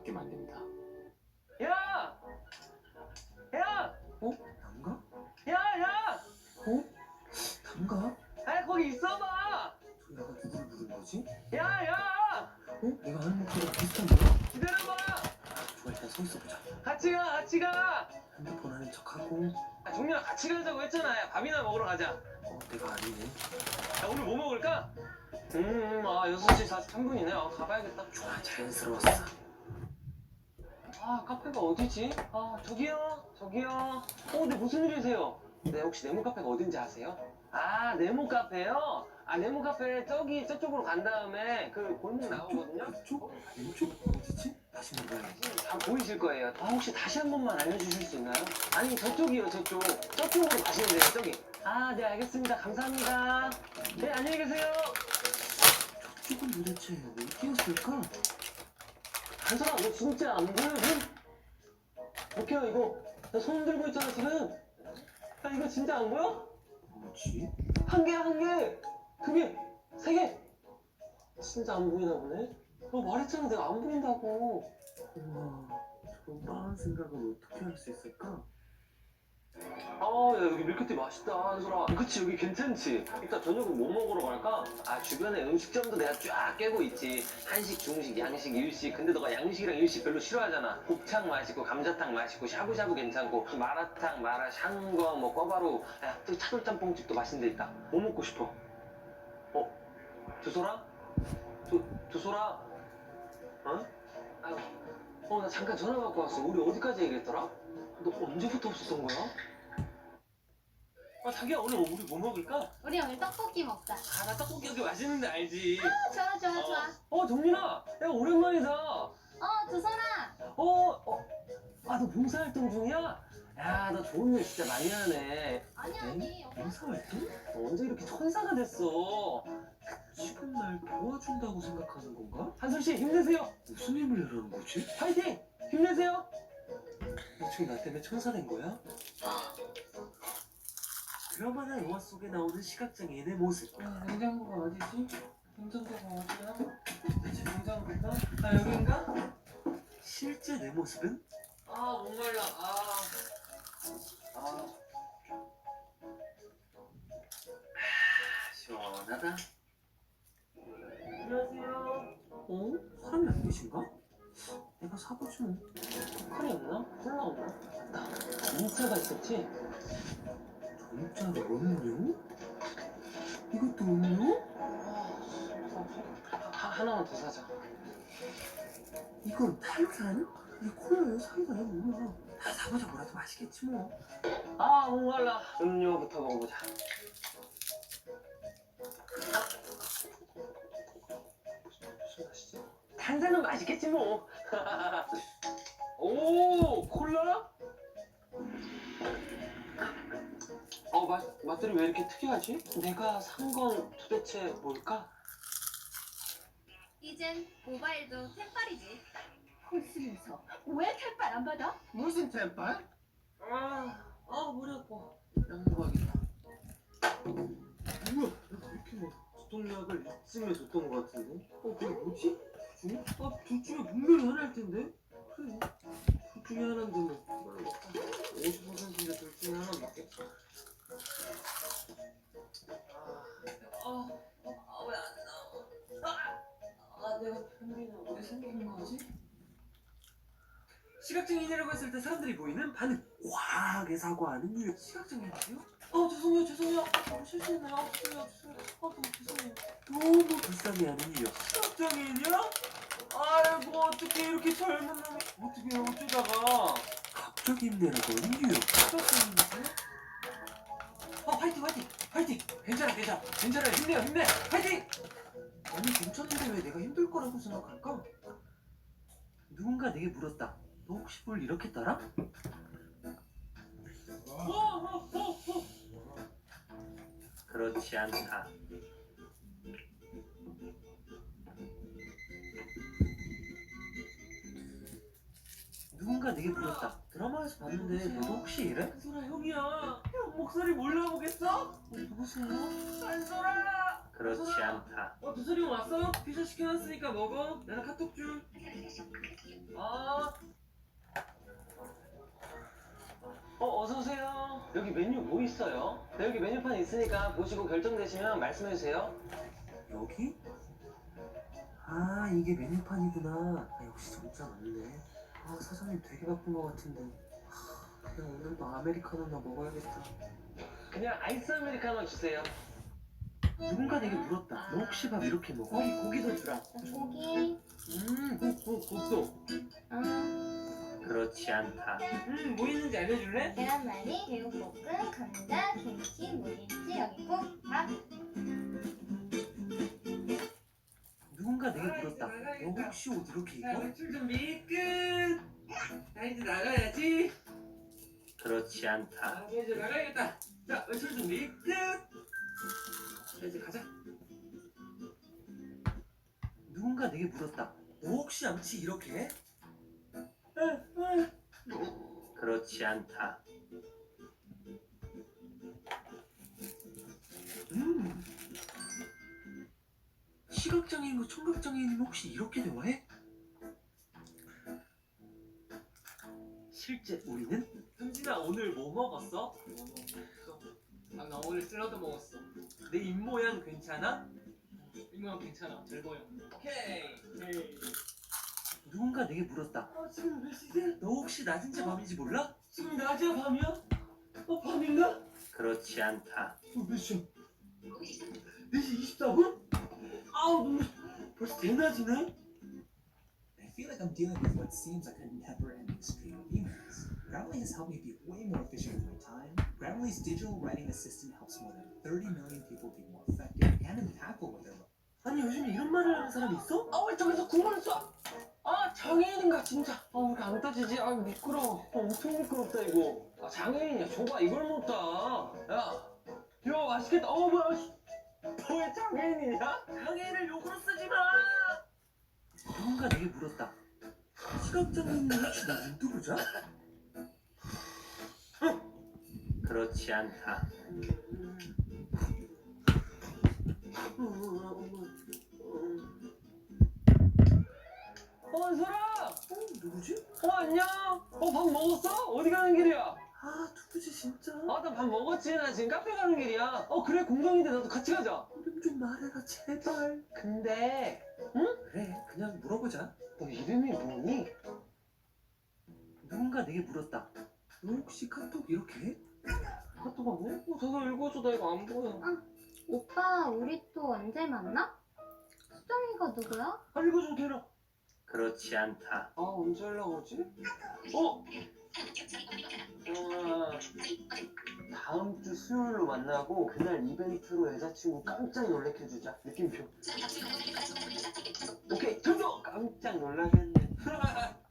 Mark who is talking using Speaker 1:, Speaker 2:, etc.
Speaker 1: 받게 만듭니다.
Speaker 2: 야! 야!
Speaker 1: 난가?
Speaker 2: 야!
Speaker 1: 난가?
Speaker 2: 아, 거기 있어봐!
Speaker 1: 저 내가 누구를 부른 거지?
Speaker 2: 야!
Speaker 1: 내가 아는 목소리랑 비슷한데?
Speaker 2: 기다려봐!
Speaker 1: 좋아, 일단 서 있어보자.
Speaker 2: 같이 가!
Speaker 1: 핸드폰 하는 척하고.
Speaker 2: 종민아, 같이 가자고 했잖아. 야, 밥이나 먹으러 가자.
Speaker 1: 내가 아니네.
Speaker 2: 야, 오늘 뭐 먹을까? 6시 43분이네. 가봐야겠다.
Speaker 1: 좋아, 자연스러웠어.
Speaker 2: 카페가 어디지? 저기요. 근데 무슨 일이세요? 네, 혹시 네모 카페가 어딘지 아세요? 네모 카페요? 네모 카페 저쪽으로 간 다음에 그 골목 나오거든요?
Speaker 1: 이쪽? 왼쪽? 어디지? 다시 물어봐야지.
Speaker 2: 다 보이실 거예요. 혹시 다시 한 번만 알려주실 수 있나요? 아니, 저쪽이요, 저쪽. 저쪽으로 가시면 돼요, 저기. 네, 알겠습니다. 감사합니다. 네, 안녕히 계세요.
Speaker 1: 저쪽은 도대체 어디였을까?
Speaker 2: 한솔아, 너 진짜 안 보여, 지금? 오케이, 이거. 나 손 들고 있잖아, 지금. 야, 이거 진짜 안 보여?
Speaker 1: 뭐지?
Speaker 2: 한 개야, 한 개. 두 개. 세 개. 진짜 안 보이나 보네. 너 말했잖아, 내가 안 보인다고.
Speaker 1: 우와, 저런 빠른 생각을 어떻게 할 수 있을까?
Speaker 2: 야, 여기 밀크티 맛있다, 한솔아. 그치, 여기 괜찮지? 이따 저녁은 뭐 먹으러 갈까? 주변에 음식점도 내가 쫙 깨고 있지. 한식, 중식, 양식, 일식. 근데 너가 양식이랑 일식 별로 싫어하잖아. 곱창 맛있고, 감자탕 맛있고, 샤브샤브 괜찮고, 마라탕, 샹궈, 꿔바로. 야, 또 차돌짬뽕집도 맛있는 데 있다. 뭐 먹고 싶어? 두소라? 두소라? 나 잠깐 전화 받고 왔어. 우리 어디까지 얘기했더라? 너 언제부터 없었던 거야? 자기야, 오늘 우리 뭐 먹을까?
Speaker 3: 우리 오늘 떡볶이 먹자.
Speaker 2: 나 떡볶이 여기 맛있는데 알지?
Speaker 3: 좋아.
Speaker 2: 정민아, 야, 오랜만이다.
Speaker 3: 두선아.
Speaker 2: 너 봉사활동 중이야? 야, 너 좋은 일 진짜 많이 하네.
Speaker 3: 아니.
Speaker 1: 봉사활동?
Speaker 2: 너 언제 이렇게 천사가 됐어?
Speaker 1: 지금 날 도와준다고 생각하는 건가?
Speaker 2: 한솔씨, 힘내세요.
Speaker 1: 무슨 힘을 내라는 거지?
Speaker 2: 파이팅! 힘내세요.
Speaker 1: 지금 나 때문에 천사 된 거야? 드라마나 영화 속에 나오는 시각장애인의 모습.
Speaker 2: 냉장고가 어디지? 냉장고가 어디야? 대체 냉장고가? 여긴가?
Speaker 1: 실제 내 모습은?
Speaker 2: 목말라.
Speaker 1: 시원하다.
Speaker 2: 안녕하세요.
Speaker 1: 사람이 안 계신가? 내가 사보지 뭐.
Speaker 2: 칼이 없나? 콜라 없나? 맞다. 인차가 있었지?
Speaker 1: 전자로 음료? 이것도 음료?
Speaker 2: 하나만 더 사자.
Speaker 1: 이건 탄산? 이게 콜라야 사이다야 뭐야? 다 사보자 뭐라도 맛있겠지 뭐.
Speaker 2: 목말라. 음료부터 먹어보자. 무슨 맛이지? 탄산은 맛있겠지 뭐. 오, 콜라? 맛들이 왜 이렇게 특이하지? 내가 산 건 도대체 뭘까?
Speaker 3: 이젠 모바일도 템빨이지.
Speaker 4: 홀수에서 왜 택발 안 받아?
Speaker 1: 무슨 템빨?
Speaker 2: 머리 아파. 약 먹어야겠다.
Speaker 1: 뭐야? 내가 왜 이렇게 두통약을 이쯤에 줬던 거 같은데? 그게 뭐지? 둘 중에? 둘 중에 분명히 하나일 텐데? 그래. 둘 중에 하나인데 뭐. 50%인데 둘 중에 하나 맞겠다.
Speaker 2: 왜 안 나와? 내가 변비는 왜 생긴 거지?
Speaker 1: 시각장애인이라고 했을 때 사람들이 보이는 반응. 과하게 사과하는 유형. 시각장애인이요?
Speaker 2: 죄송해요. 실수했나요? 죄송해요.
Speaker 1: 너무 불쌍해하는 유형.
Speaker 2: 시각장애인이야? 아이고, 어떻게 이렇게 젊은 놈이 어떻게 어쩌다가
Speaker 1: 갑자기 힘내라고 하는 유형.
Speaker 2: 시각장애인이세요? 파이팅! 괜찮아. 힘내! 파이팅!
Speaker 1: 아니 괜찮은데 왜 내가 힘들 거라고 생각할까? 누군가 내게 물었다. 너 혹시 뭘 이렇게 따라? 그렇지 않다. 누군가 내게 물었다. 드라마에서 봤는데 너도 혹시 이래?
Speaker 2: 한솔아, 형이야. 형 목소리 몰라보겠어?
Speaker 1: 누구세요?
Speaker 2: 한솔아!
Speaker 1: 그렇지 않다.
Speaker 2: 두솔이 형 왔어? 피자 시켜놨으니까 먹어. 내가 카톡 줄. 여기 메뉴 뭐 있어요? 네, 여기 메뉴판 있으니까 보시고 결정되시면 말씀해주세요.
Speaker 1: 여기? 아, 이게 메뉴판이구나. 아, 역시 정자 맞네. 아, 사장님 되게 바쁜 것 같은데. 그냥 오늘도 아메리카노나 먹어야겠다.
Speaker 2: 그냥 아이스 아메리카노 주세요.
Speaker 1: 누군가 내게 물었다. 너 혹시 밥 이렇게 먹어? 고기도 주라.
Speaker 3: 고기.
Speaker 1: 국도.
Speaker 2: 그렇지 않다.
Speaker 1: 뭐 있는지 알려줄래?
Speaker 3: 계란말이, 제육볶음, 감자, 김치, 무김치, 여기 국, 밥.
Speaker 1: 누군가 내게 물었다. 너 혹시 옷 이렇게 입어? 외출 준비 끝! 나 이제 나가야지.
Speaker 2: 그렇지 않다.
Speaker 1: 아, 이제 나가야겠다. 자, 외출 준비 끝! 자, 이제 가자. 누군가 내게 물었다. 너 혹시 양치 이렇게 해?
Speaker 2: 그렇지 않다.
Speaker 1: 시각장애인과 청각장애인은 혹시 이렇게 대화해? 실제 우리는? 현진아, 오늘 뭐 먹었어?
Speaker 5: 아, 나 오늘 샐러드 먹었어.
Speaker 1: 내 입모양 괜찮아?
Speaker 5: 이모양 괜찮아. 잘 보여.
Speaker 1: 오케이. 누군가 내게 물었다. 지금 몇 시지? 너 혹시 낮인지 밤인지 몰라? 지금 낮이야 밤이야? 밤인가?
Speaker 2: 그렇지 않다.
Speaker 1: 몇 시야? 4시 24분? 아우, 너무 벌써 대낮이네?
Speaker 6: I feel like I'm dealing with what seems like a never-ending stream of emails. Grammarly has helped me be way more efficient with my time. Grammarly's digital writing assistant helps more than 30 million people be more effective and impactful with their work.
Speaker 1: 아니, 요즘에 이런 말을 하는 사람이 있어?
Speaker 2: 왜 저기서 구멍을 쏴? 장애인인가 진짜. 왜 안 따지지? 미끄러워. 엄청 미끄럽다 이거. 장애인이야. 줘봐, 이걸 못 따. 야, 맛있겠다. 뭐야? 너왜 장애인이냐?
Speaker 1: 장애인을 욕으로 쓰지 마! 누군가 내게 물었다. 시각장애인은 혹시 나 유튜브자?
Speaker 2: 그렇지 않다. 은솔아!
Speaker 1: 누구지?
Speaker 2: 안녕! 밥 먹었어? 어디 가는 길이야?
Speaker 1: 누구지 진짜?
Speaker 2: 나 밥 먹었지. 나 지금 카페 가는 길이야. 그래, 공동인데 나도 같이 가자.
Speaker 1: 이름 좀 말해라 제발.
Speaker 2: 근데
Speaker 1: 그래, 그냥 물어보자.
Speaker 2: 너 이름이 뭐니?
Speaker 1: 누군가 내게 물었다. 너 혹시 카톡 이렇게 해?
Speaker 2: 카톡 하고? 저거 읽어줘. 나 이거 안 보여.
Speaker 3: 오빠, 우리 또 언제 만나? 수정이가 누구야?
Speaker 1: 읽어줘 대라.
Speaker 2: 그렇지 않다.
Speaker 1: 언제 연락 오지?
Speaker 2: 다음 주 수요일로 만나고 그날 이벤트로 여자친구 깜짝 놀래켜주자. 느낌표. 오케이, 저도 깜짝 놀라겠네.